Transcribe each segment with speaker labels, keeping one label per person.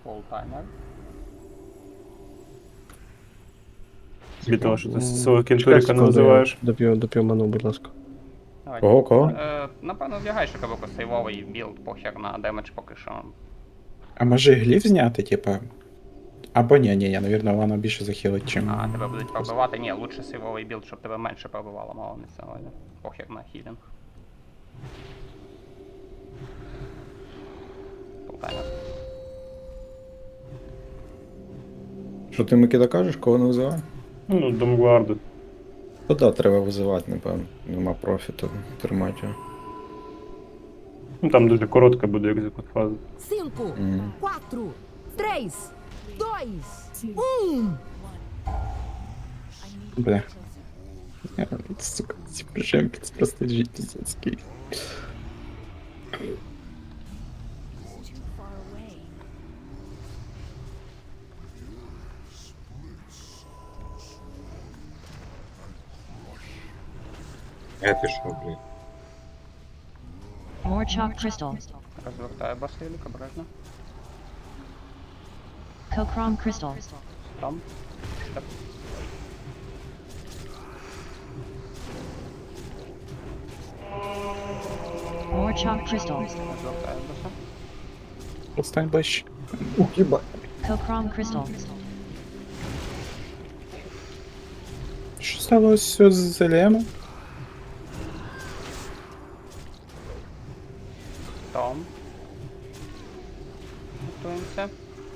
Speaker 1: Полтаймер.
Speaker 2: Від того, що ти свого кінтуріка не називаєш.
Speaker 3: Доп'ю ману, будь ласка.
Speaker 1: Давайте.
Speaker 4: Кого?
Speaker 1: Напевно, вдягай шикавику сейвовий білд, похер на демедж поки що.
Speaker 4: А може гліф зняти, типа? Або ні, навірно, воно більше захилить, чим.
Speaker 1: А, тебе будуть пробивати. Ні, лучше сейвовий білд, щоб тебе менше пробивало, мало не сьогодні. Похер на хілінг. Полтаймер.
Speaker 5: Що ти Микита кажеш, кого не визиває?
Speaker 2: Ну, Домгварду.
Speaker 5: То да, треба визивати, напевно. Нема профіту тримати його.
Speaker 2: Ну там дуже коротка буде екзекут фаза.
Speaker 6: 5, 4, 3, 2, 1.
Speaker 4: Бля. Сука, ці прижемки, це просто піздецький.
Speaker 7: Я пішов, блядь.
Speaker 8: More chalk crystal.
Speaker 1: Розвертаю басилік, обережно.
Speaker 8: Kokrom crystal.
Speaker 1: Там. Штеп.
Speaker 8: More chalk crystal.
Speaker 1: Розвертаю баса.
Speaker 4: Постань ближче.
Speaker 8: Kokrom crystal.
Speaker 4: Що сталося з Зелем?
Speaker 1: Том. Готуємося.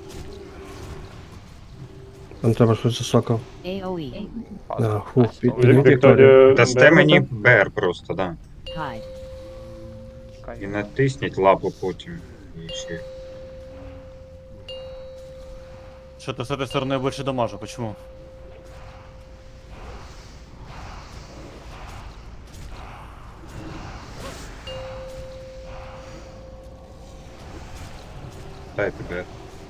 Speaker 3: Там треба щось засокав.
Speaker 8: AoE.
Speaker 3: Да, хух,
Speaker 2: Вікторія
Speaker 7: Дасте мені
Speaker 2: Беркута.
Speaker 7: БР просто, да.
Speaker 8: Hide.
Speaker 1: Чекай.
Speaker 7: І натисніть лапу потім. І ще.
Speaker 9: Что-то с этой стороны я больше дамажу, почему?
Speaker 7: Дайте БР.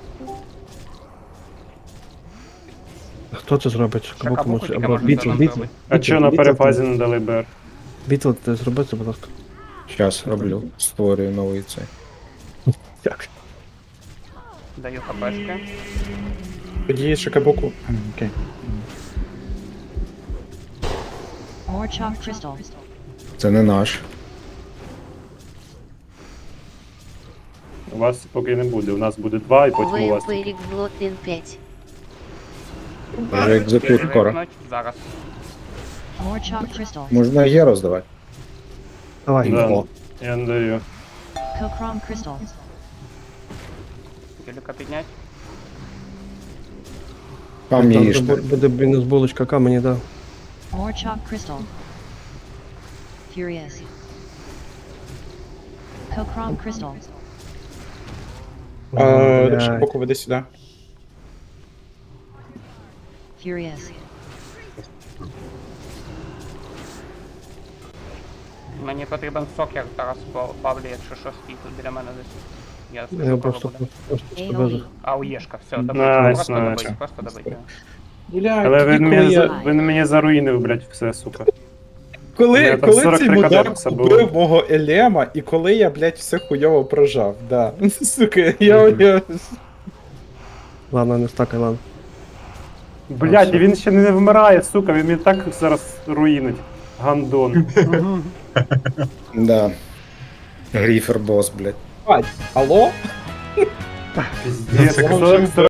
Speaker 3: Хто це зробить? Кабуку
Speaker 1: Шакабуку
Speaker 3: може.
Speaker 1: тільки
Speaker 3: Або
Speaker 1: може
Speaker 3: бітл,
Speaker 1: зробити.
Speaker 3: бітл.
Speaker 2: А чого на перефазі не дали БР?
Speaker 3: Бітл, ти зроби це, будь ласка.
Speaker 5: Щас роблю. Створюю новий цей.
Speaker 3: Як?
Speaker 1: Даю хпшки.
Speaker 4: Тоді Шикабуку. Окей.
Speaker 8: More chalk crystal.
Speaker 5: Це не наш.
Speaker 2: У вас поки не буде. У нас буде 2 і потім у вас.
Speaker 6: Вампирік Блотин 5.
Speaker 5: Вже екзекут скоро.
Speaker 1: Вимкнуть. Зараз.
Speaker 8: More chalk crystal.
Speaker 5: Можна є роздавати.
Speaker 3: Давай.
Speaker 2: Да.
Speaker 5: О.
Speaker 2: Я не даю.
Speaker 8: Kokrom crystal.
Speaker 1: Біліка піднять.
Speaker 5: Камні
Speaker 3: Там
Speaker 5: їжте.
Speaker 3: буде мінус булочка камені, да.
Speaker 8: More chalk crystal. Furious. Kokrom crystal.
Speaker 3: Блядь.
Speaker 4: Шикабуку веди сюди.
Speaker 8: Furious.
Speaker 1: Мені потрібен сокер, Тарас Павлі, якщо що, стій тут біля мене десь. Я
Speaker 3: Я
Speaker 1: слышу, кого
Speaker 3: просто
Speaker 1: буде.
Speaker 8: AoE.
Speaker 1: А, уєшка, все, добить.
Speaker 2: Найс,
Speaker 1: Просто
Speaker 2: найс.
Speaker 1: добить, просто добить.
Speaker 4: Бля,
Speaker 2: Але
Speaker 4: тоді,
Speaker 2: він мені заруїнив, блядь, все, сука.
Speaker 4: коли,
Speaker 2: Я там
Speaker 4: коли
Speaker 2: 43
Speaker 4: цей мудак
Speaker 2: каденса було.
Speaker 4: убив мого Елема, і коли я, блядь, все хуйово прожав, да. Сука, я...
Speaker 3: Ладно, не стакай, ладно.
Speaker 2: Блядь, і він ще не вмирає, сука, він мені так зараз руїнить. Гандон.
Speaker 5: Да. Гріфер бос, блядь.
Speaker 4: Алло?
Speaker 2: Піздець,